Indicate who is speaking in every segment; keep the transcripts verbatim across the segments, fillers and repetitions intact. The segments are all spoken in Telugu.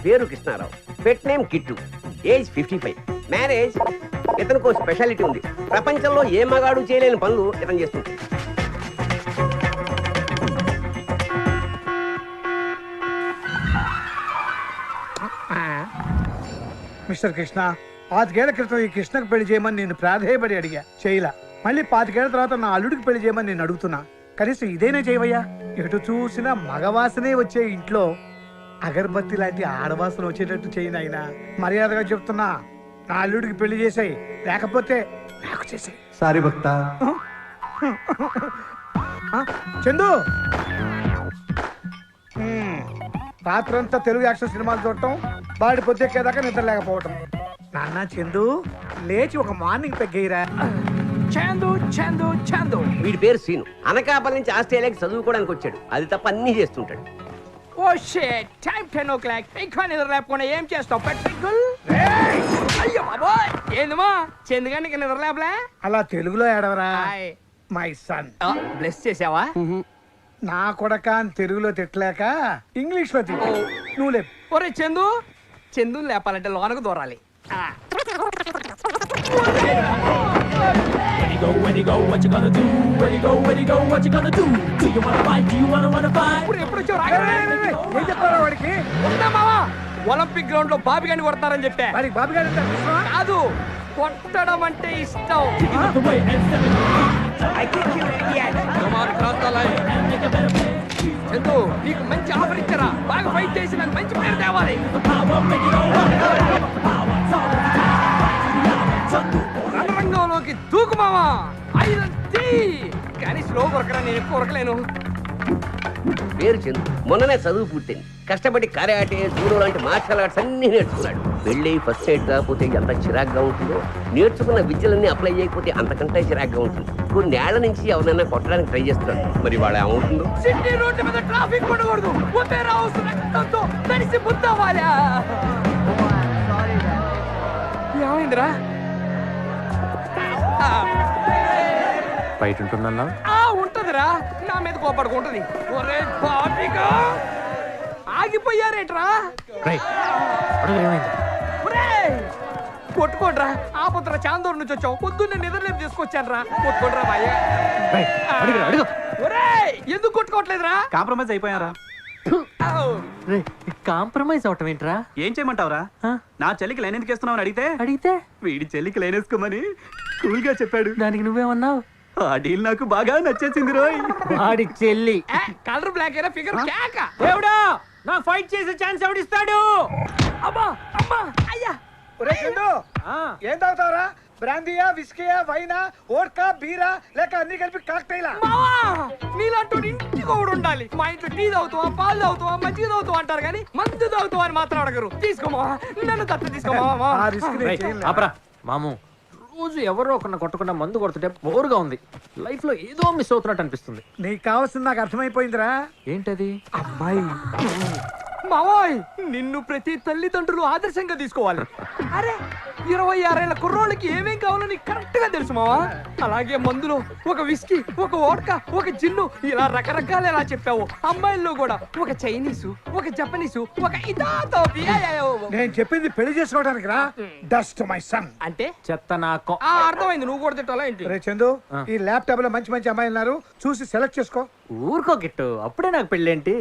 Speaker 1: పేరు Krishnarao, pet name Kittu, age fifty five, marriage. ఇతనికి స్పెషాలిటీ ఉంది, ప్రపంచంలో ఏ మగాడు చేయలేని పనులు ఇతను చేస్తుంది.
Speaker 2: మిస్టర్ కృష్ణ, పాతికేళ్ల క్రితం ఈ కృష్ణకు పెళ్లి చేయమని నేను ప్రాధేయపడి అడిగా, చేయలా. మళ్ళీ పాతికేళ్ల తర్వాత నా అల్లుడికి పెళ్లి చేయమని నేను అడుగుతున్నా, కనీసం ఇదేనే చేయవయ్యా. ఎటు చూసినా మగవాసనే వచ్చే ఇంట్లో అగరబత్తి లాంటి ఆడవాసన వచ్చేటట్టు చేయను ఆయన. మర్యాదగా చెప్తున్నా, నా అల్లుడికి పెళ్లి చేసాయి, లేకపోతే నాకు చేసాయి.
Speaker 3: సారీ భక్త.
Speaker 2: చందు, రాత్రంతా తెలుగు యాక్షన్ సినిమాలు చూడటం, బాడి పొద్దెక్కేదాకా నిద్ర లేకపోవటం. నాన్న చందు, లేచి ఒక మార్నింగ్ పెగ్గేయరా.
Speaker 4: చందు చందు చందు
Speaker 1: వీడి పేరు సీను, అనకాపల్లి నుంచి ఆస్ట్రేలియాకి చదువుకోవడానికి వచ్చాడు. అది తప్ప అన్ని చేస్తుంటాడు.
Speaker 4: Oh shit, time ten o'clock. ఇంకా నిద్ర లేకపోతే ఏం చేస్తావు పెట్రికల్? అయ్యో బాబోయ్, ఏందమ్మా చందుగానికి నిద్ర లేపలే?
Speaker 2: అలా తెలుగులో ఏడవరా మై సన్.
Speaker 4: బ్లెస్ చేసావా?
Speaker 2: నా కొడక అని తెలుగులో తిట్టలేక ఇంగ్లీష్ లో తిట్టు. నువ్వు లేపు.
Speaker 4: ఒరే చందు, చందుని లేపాలంటే లోనకు దూరాలి.
Speaker 2: వాడికి
Speaker 4: ఒలింపిక్ గ్రౌండ్ లో బాబి గాని కొడతారని చెప్పా.
Speaker 2: వాడికి బాబు గారు
Speaker 4: కాదు, కొట్టడం అంటే ఇష్టం. చందు, నీకు మంచి ఆఫర్ ఇచ్చారా? బాగా ఫైట్ చేసి నాకు మంచి పేరు తేవాలి. రణరంగంలోకి దూకు మావా, ఐదంతి. కానీ స్లో కొరకరా, నేను ఎక్కువ కొరకలేను.
Speaker 1: పేరు చందు, మొన్ననే చదువు పూర్తయింది. కష్టపడి కరాటే, జూడో లాంటి మార్షల్ ఆర్ట్స్ అన్ని నేర్చుకున్నాడు. పెళ్ళి ఫస్ట్ ఎయిడ్ కాకపోతే ఎంత చిరాగ్గా ఉంటుందో, నేర్చుకున్న విద్యలన్నీ అప్లై చేయకపోతే అంతకంటే చిరాగ్గా ఉంటుంది. కొన్ని ఏళ్ల నుంచి ఎవరైనా కొట్టడానికి ట్రై చేస్తున్నాడు. మరి వాడు ఏమవుతుందో.
Speaker 4: సిటీ రోడ్డు మీద ట్రాఫిక్ ఉండకూడదు, ఒపేరా హౌస్ రక్తంతో తడిసి బుద్ధవాలా. ఏమైందిరా?
Speaker 3: బయట ఉంటుందన్నా?
Speaker 4: ఆ ఉంటదిరా, నా మీద కోపడుకుంటది. ఒరే బాబిగా, ఆగిపోయారేట్రా? కొట్టుకోడ్రా, ఆపత్ర చాందూరు నుంచి వచ్చావు. పొద్దున్నే నిద్రలేపు తీసుకొచ్చాను రా. కొట్టుకోడ్రా బాయ్య. ఒరే ఎందుకు కొట్టుకోవట్లేదురా?
Speaker 3: కాంప్రమైజ్ అయిపోయారా?
Speaker 5: కాంప్రమైజ్ అవటం ఏంట్రా?
Speaker 3: ఏం చేయమంటావురా? నా చెల్లికి లైన్ ఎందుకు వేస్తున్నావు అడిగితే
Speaker 5: అడిగితే
Speaker 3: వీడి చెల్లికి లైన్ వేసుకోమని కూల్ గా చెప్పాడు.
Speaker 5: దానికి నువ్వేమన్నావు?
Speaker 3: ఆ డీల్ నాకు బాగా నచ్చేసింది రోయ్.
Speaker 5: వాడి చెల్లి
Speaker 4: కలర్ బ్లాక్ అయినా ఫిగర్ కేక.
Speaker 5: దేవుడా, నా ఫైట్ చేసే ఛాన్స్ ఎవడిస్తాడు?
Speaker 4: అమ్మా అమ్మా అయ్యా.
Speaker 2: ఒరే చందు, ఏం తాగుతావురా? బ్రాందీయా, విస్కీయా, వైనా, వోడ్కా, బీరా, లేక అన్ని కలిపి కాక్టైలా?
Speaker 4: మావా, నీలాంటి ఇంటికి ఒకడు ఉండాలి. మా ఇంట్లో టీ తాగుతావా, పాలు తాగుతావా, మజ్జిగ తాగుతావా అంటారు కానీ మందు తాగుతావా అని మాత్రం అడగరు. తీసుకోమా, నన్ను తప్ప తీసుకోమా.
Speaker 2: ఆ రిస్క్ నేను చేయనులే.
Speaker 5: ఆపరా మాము, రోజు ఎవరో ఒకరిని కొట్టకుండా మందు కొడుతుంటే బోరుగా ఉంది. లైఫ్ లో ఏదో మిస్ అవుతున్నట్టు అనిపిస్తుంది.
Speaker 2: నీకు కావాల్సింది నాకు అర్థమైపోయిందిరా.
Speaker 5: ఏంటది?
Speaker 2: అమ్మాయి.
Speaker 4: మావోయ్, నిన్ను ప్రతి తల్లిదండ్రులు ఆదర్శంగా తీసుకోవాలి. అరే, ఇరవై ఆరేళ్ల కుర్రోళ్ళకి ఏమేం కావాలో నీకు కరెక్ట్ గా తెలుసు మావా. అలాగే మందులో ఒక విస్కీ, ఒక వోడ్కా, ఒక జిన్ను, ఇలా రకరకాలు ఎలా చెప్పావు. అమ్మాయిల్లో కూడా ఒక చైనీసు, ఒక జపనీసు, ఒక ఇదాతో.
Speaker 2: నేను చెప్పింది పెళ్లి చేసుకోవడానికి రా. Dust my son.
Speaker 4: అంటే
Speaker 5: చెత్త నాకు.
Speaker 4: ఆ అర్థమైంది, నువ్వు కూడా తిట్టాలా ఏంటి?
Speaker 2: రే చందు, ఈ ల్యాప్టాప్ లో మంచి మంచి అమ్మాయిలు ఉన్నారు, చూసి సెలెక్ట్ చేసుకో.
Speaker 5: ఊరుకో గిట్టు, అప్పుడే నాకు పెళ్ళేంటి?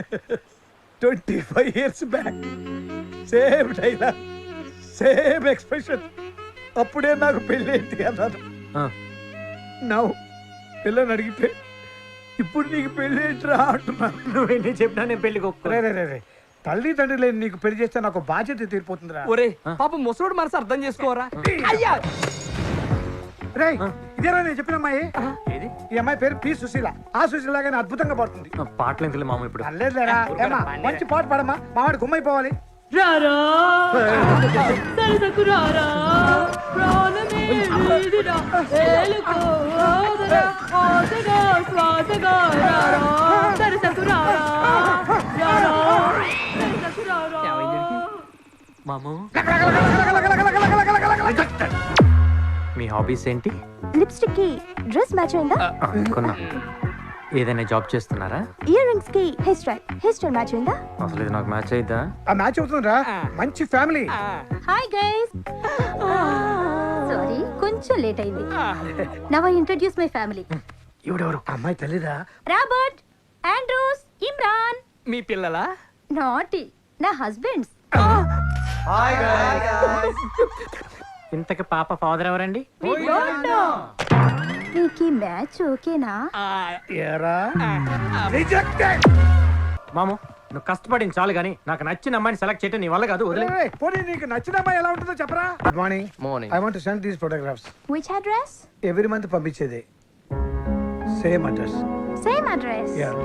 Speaker 2: Twenty five years back same dialogue, same expression. అప్పుడే నాకు పెళ్ళి ఏంటి అన్నాను. నవ్వు పిల్లని అడిగితే ఇప్పుడు నీకు పెళ్ళి ఏంటిరా అంటున్నాను.
Speaker 5: నువ్వేంటి చెప్పినా నేను పెళ్లి
Speaker 2: రే రే రే రే తల్లి తండ్రి లేని నీకు పెళ్లి చేస్తే నాకు బాధ్యత తీరిపోతుందిరా.
Speaker 4: ఒరే పాప ముసలోడు మనసు అర్థం చేసుకోరా. అయ్యా
Speaker 2: రే, ఇదేరా నేను చెప్పిన అమ్మాయి. ఈ అమ్మాయి పేరు పి సుశీల. ఆ సుశీల గానీ అద్భుతంగా పాడుతుంది.
Speaker 5: పాటలు ఎందుకు మామ ఇప్పుడు?
Speaker 2: అల్లేదులేరా, ఏమ్మా మంచి పాట పాడమ్మా, మావాడు గుమ్మైపోవాలి.
Speaker 6: రారా సరసకు రారా ప్రాణమే వీడిరా ఏలుకో ఆదరా ఆదగా స్వాదగా రారా సరసకు రారా రారా సరసకు రారా.
Speaker 5: మాము, మీ హాబీస్ ఏంటి?
Speaker 7: లిప్స్టిక్ కి డ్రెస్ మ్యాచ్ అయిందా?
Speaker 5: అనుకున్నా. ఏదైనా జాబ్ చేస్తున్నారా?
Speaker 7: ఇయర్ రింగ్స్ కి hair style hair style match అయిందా?
Speaker 5: అసలు ఇది నాకు మ్యాచ్ అయిద్దా?
Speaker 2: ఆ మ్యాచ్ అవుతుందిరా, మంచి ఫ్యామిలీ.
Speaker 7: హాయ్ గైస్, సారీ కొంచెం లేట్ అయింది. Now I introduce my family.
Speaker 2: ఎవడెవరు అమ్మాయి తల్లిరా?
Speaker 7: Robert, Andrews, Imran.
Speaker 4: మీ పిల్లలా?
Speaker 7: నాటి నా హస్బెండ్స్.
Speaker 5: ఇంతకి పాప ఫాదర్ ఎవరండి?
Speaker 7: నీకు ఈ మ్యాచ్ ఓకేనా?
Speaker 2: ఏరా రిజెక్టెడ్.
Speaker 5: మాము నువ్వు కష్టపడింది చాలు గానీ నాకు నచ్చిన అమ్మాయిని సెలెక్ట్ చేయటం నీ వల్ల కాదు, వదిలే.
Speaker 2: పోనీ నీకు నచ్చిన అమ్మాయి ఎలా ఉంటుందో చెప్పరా? Good morning.
Speaker 5: Morning.
Speaker 2: I want to send these photographs.
Speaker 7: Which address?
Speaker 2: Every month పంపించేది same address.
Speaker 7: Same address.
Speaker 2: Yeah.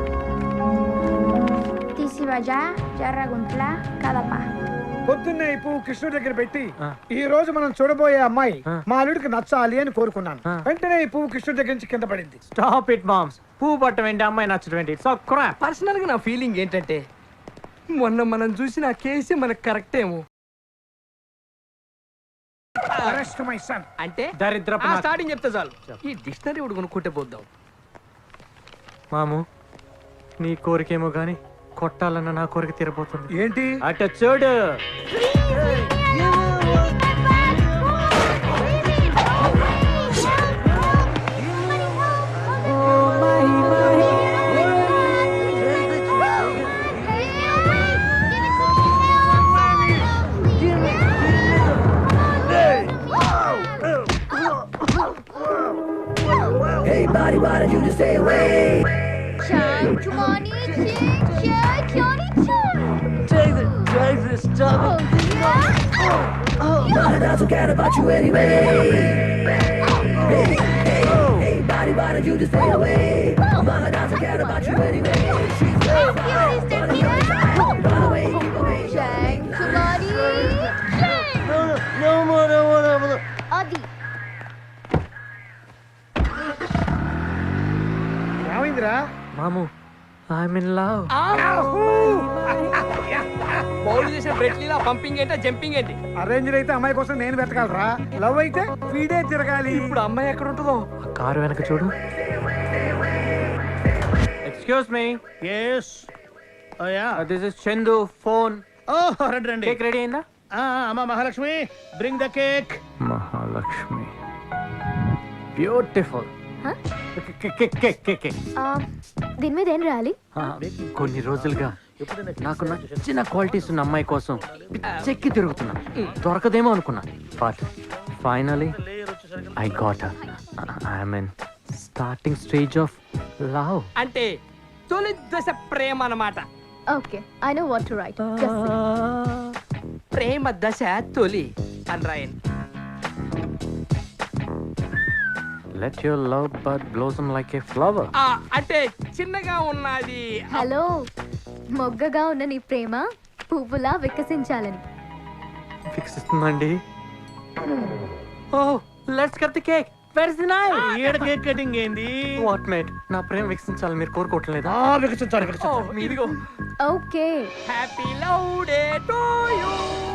Speaker 7: తీసివజా జర్రగుంట్ల కదప.
Speaker 2: పొద్దున్నే ఈ పువ్వు కృష్ణుడి దగ్గర పెట్టి
Speaker 5: ఆ.
Speaker 2: ఈ రోజు మనం చూడబోయే అమ్మాయి
Speaker 5: ఆ.
Speaker 2: మా అల్లుడికి నచ్చాలి అని కోరుకున్నాను.
Speaker 5: ఆ.
Speaker 2: వెంటనే ఈ పువ్వు కృష్ణుడి దగ్గర నుంచి కింద పడింది.
Speaker 5: Stop it moms. పువ్వు పట్టం ఏంటి, అమ్మాయి నచ్చడం ఏంటి? So crop.
Speaker 4: పర్సనల్ గా నా ఫీలింగ్ ఏంటంటే మొన్న మనం చూసిన ఆ కేసే మనకు కరెక్ట్ ఏమో.
Speaker 2: Arrest my son.
Speaker 4: అంటే
Speaker 5: దరిద్రపు
Speaker 4: ఆ
Speaker 5: నా-
Speaker 4: స్టార్టింగ్ చెప్తే చాలు. ఈ డిక్షనరీ ఒకటి కొనుక్కుంటే పోద్దాం.
Speaker 5: మాము నీ కోరికేమో గాని కొట్టాలన్న నా కోరిక తీరబోతుంది.
Speaker 2: ఏంటి?
Speaker 5: అట చూడు.
Speaker 7: అది
Speaker 2: ఏమైందిరా?
Speaker 5: మాము ఐఎమ్ ఇన్ లవ్.
Speaker 4: బౌల్ చేసిన బ్రెట్లీలా పంపింగ్ ఏంటో జంపింగ్ ఏంటి?
Speaker 2: అరేంజ్ అయితే అమ్మాయి కోసం నేను వెతకాలరా, లవ్ అయితే వీడే తిరగాలి.
Speaker 4: ఇప్పుడు అమ్మాయి ఎక్కడ ఉంటుందో?
Speaker 5: ఆ కారు వెనక చూడు. Excuse me.
Speaker 8: Yes. Oh yeah.
Speaker 5: This is Chandu phone.
Speaker 8: Oh, రండి రండి.
Speaker 5: కేక్ రెడీ అయిందా?
Speaker 8: ఆ, అమ్మ Mahalakshmi, bring the cake.
Speaker 5: Mahalakshmi beautiful.
Speaker 7: Huh?
Speaker 5: కొన్ని
Speaker 7: దీని మీద ఏం రాయాలి?
Speaker 5: రోజులుగా నాకు నచ్చిన క్వాలిటీస్ ఉన్న అమ్మాయి కోసం చెక్కి తిరుగుతున్నా, దొరకదేమో అనుకున్నా. But finally I got her. I'm in starting stage of love.
Speaker 4: అంటే తొలి దశ ప్రేమ అన్నమాట.
Speaker 7: Okay, I know what to write.
Speaker 4: ప్రేమ దశ తొలి అని రాయండి.
Speaker 5: Let your love bud blossom like a flower.
Speaker 4: ఆ, అంటే చిన్నగా ఉన్నది.
Speaker 7: హలో, మొగ్గగా ఉన్న నీ ప్రేమ పువ్వులా వికసించాలని.
Speaker 5: ఫిక్సిస్తుందండి. Oh let's cut the cake. Where is the knife?
Speaker 8: ఈడ కేక్ కటింగ్ ఏంది?
Speaker 5: వాట్ మేట్, నా ప్రేమ వికసించాలని మీరు కోరుకోవట్లేదా?
Speaker 8: ఆ, వికసించాలి
Speaker 4: ఓ,
Speaker 8: వికసించాలి.
Speaker 4: ఇదిగో
Speaker 7: okay,
Speaker 4: happy love day to you.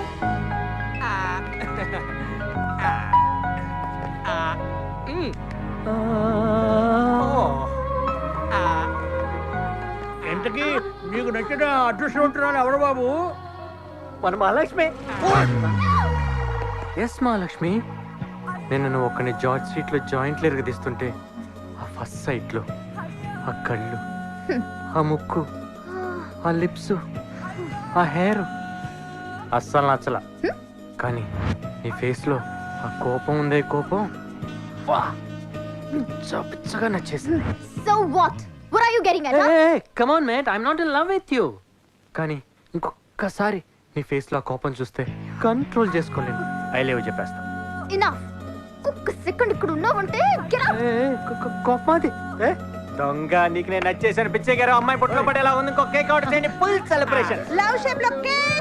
Speaker 8: ఇంతకీ నీకు నచ్చిన అదృష్టవంతురాలు ఎవరు బాబు?
Speaker 5: మన మహాలక్ష్మి. ఎస్ మహాలక్ష్మి. నేను నువ్వు ఒక్కని జార్జ్ స్ట్రీట్ లో జాయింట్లు ఎరగదీస్తుంటే ఆ ఫస్ట్ సైట్ లో ఆ కళ్ళు, ఆ ముక్కు, ఆ లిప్స్, ఆ హెయిర్ అస్సలు నచ్చల. కానీ నీ ఫేస్ లో ఆ కోపం ఉందే కోపం, వా పిచ్చ పిచ్చగా నచ్చేసింది.
Speaker 7: So what what are you getting at?
Speaker 5: Come on mate, I'm not in love with you. కానీ ఇంకొకసారి నీ ఫేస్ లో ఆ కోపం చూస్తే కంట్రోల్ చేసుకోలేను. ఐ లేవు చెప్పేస్తా.
Speaker 7: ఇనఫ్. ఒక్క సెకండ్ ఇక్కడ ఉన్నావంటే get out.
Speaker 5: కోపమాది దొంగ. నీకు నేను నచ్చేసాను. పిచ్చే గారు అమ్మాయి పుట్లో పడేలా ఉంది. ఇంకో కేక్ ఆర్డర్ చేయండి. Full celebration.
Speaker 7: లవ్ షేప్ లో కేక్.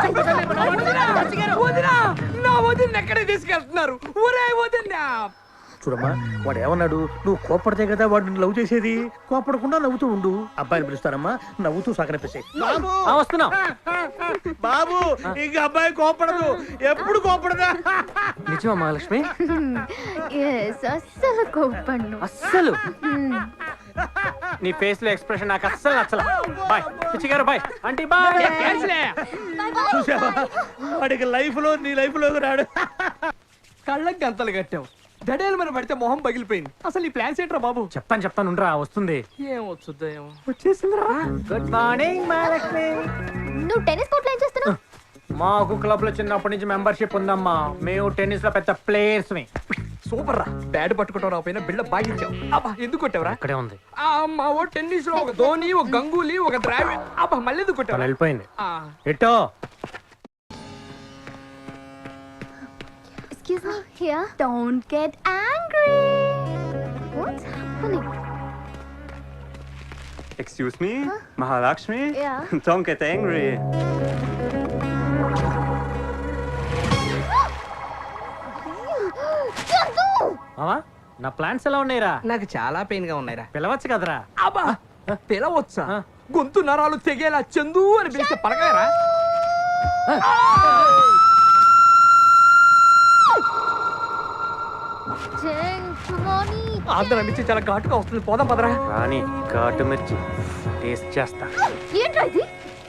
Speaker 4: వదినా, నా వదిన ఎక్కడికి తీసుకెళ్తున్నారు? ఒరే వదినా,
Speaker 8: చూడమ్మా వాడు ఏమన్నాడు, నువ్వు కోపడితే కదా వాడు నిన్ను లవ్ చేసేది, కోపడకుండా నవ్వుతూ ఉండు. అబ్బాయిని పిలుస్తానమ్మా, నవ్వుతూ సగనపేసాయి. బాబు
Speaker 5: ఆ, వస్తున్నా.
Speaker 8: బాబు ఇంక అబ్బాయి కోపడదు, ఎప్పుడు కోపడదా?
Speaker 5: నిజమా మహాలక్ష్మి?
Speaker 7: ఎస్ అస్సలు కోపడ్ను
Speaker 5: అస్సలు నీ ఫేస్ లో ఎక్స్ప్రెషన్ నాకు అస్సలు నచ్చలా. బాయ్ పిచ్చి గారు, బాయ్ ఆంటీ, బాయ్.
Speaker 8: చూసావా, వాడికి లైఫ్ లో నీ లైఫ్ లో రాడు.
Speaker 4: కళ్ళకి గంతలు కట్టావు, దడేలు మన పడితే మొహం పగిలిపోయింది. అసలు ఈ ప్లాన్స్ ఏంట్రా బాబు?
Speaker 5: చెప్తాను చెప్తాను ఉండరా, వస్తుంది.
Speaker 4: ఏం వచ్చుద్దా ఏమో.
Speaker 5: వచ్చేసిందిరా. Good morning Mahalakshmi.
Speaker 7: నువ్వు టెన్నిస్ కోర్ట్లో ఏం చేస్తున్నావు?
Speaker 5: మాకు క్లబ్ లో చిన్నప్పటి నుంచి మెంబర్షిప్ ఉందమ్మా. మేము టెన్నిస్ లో పెద్ద ప్లేయర్స్ ని.
Speaker 4: సూపర్ రా, బ్యాట్ పట్టుకుంటావు నా పైన బిళ్ళ బాగించావు. అబ్బా ఎందుకు కొట్టావురా?
Speaker 5: ఇక్కడే ఉంది.
Speaker 4: ఆ మా ఓ టెన్నిస్ లో ఒక ధోని, ఒక గంగూలీ, ఒక ద్రావిడ్. అబ్బా మళ్ళీ ఎందుకు
Speaker 5: తను
Speaker 4: కొట్టావు?
Speaker 5: వెళ్ళిపోయింది.
Speaker 4: ఆ,
Speaker 5: ఎటో
Speaker 7: Excuse me, here. Don't get angry. What's happening?
Speaker 3: Excuse me Mahalakshmi.
Speaker 7: Yeah.
Speaker 3: Don't get angry.
Speaker 7: Chandu!
Speaker 5: మామా నా ప్లాన్స్ ఎలా ఉన్నాయిరా?
Speaker 4: నాకు చాలా పెయిన్ గా ఉన్నాయిరా.
Speaker 5: పిలవచ్చు కదరా.
Speaker 4: అబ్బా పిలవచ్చా?
Speaker 5: ఆ.
Speaker 4: గొంతు నరాలు తెగేలా చందు అని పిలిస్తే పలకాయరా?
Speaker 7: Gentlemen,
Speaker 4: ఆంధ్ర మిర్చి చాలా ఘాటుగా వస్తుంది, పోదాం పదరా.
Speaker 5: రాని ఘాటు మిర్చి టేస్ట్ చేస్తా.
Speaker 7: ఏంట్రా ఇది?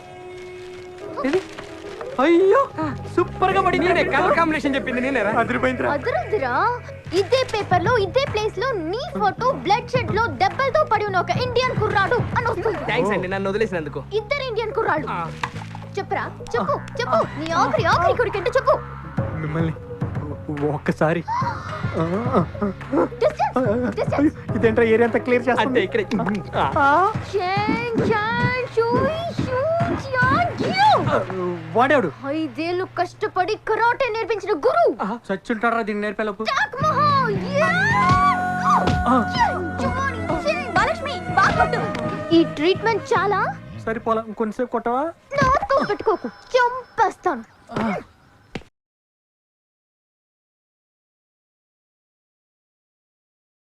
Speaker 4: అయ్యో సూపర్ గా పడి నేనే కలర్ కాంబినేషన్ చెప్పింది నేనేరా.
Speaker 5: అదిరిపోయిందిరా.
Speaker 7: అదరుదిరా, ఇదే పేపర్ లో ఇదే ప్లేస్ లో నీ ఫోటో బ్లడ్ షెడ్ లో దెబ్బలతో పడి ఉన్న ఒక ఇండియన్ కుర్రాడు అని వస్తుంది.
Speaker 4: థ్యాంక్స్ అండి నన్ను వదిలేసినందుకు.
Speaker 7: ఇద్దరు ఇండియన్ కుర్రాడు.
Speaker 4: ఆ.
Speaker 7: చెప్పరా, చెప్పు చెప్పు, నీ ఆఖరి ఆఖరి కొడుకంటే చెప్పు.
Speaker 5: మిమ్మల్ని ఒక్కసారి
Speaker 7: Distance, distance.
Speaker 5: ఇదేంట్రా ఏరియా అంతా క్లియర్
Speaker 4: అంతే
Speaker 5: చేస్తుంది.
Speaker 4: ఇక్కడే.
Speaker 7: Chen, Chen, Shui, Shu, Jian, Jiu.
Speaker 5: వాడేవాడు
Speaker 7: ఐదేళ్ళు కష్టపడి కరాటే నేర్పించిన గురు
Speaker 5: చచ్చుంటారా దీన్ని నేర్పేలోపు.
Speaker 7: టాక్ మహా. మహాలక్ష్మి బాగుంటు. ఈ ట్రీట్మెంట్ చాలా
Speaker 5: సరిపోలా, కొంచెంసేపు కొట్టవా?
Speaker 7: నాతో పెట్టుకోకు, చంపేస్తాను.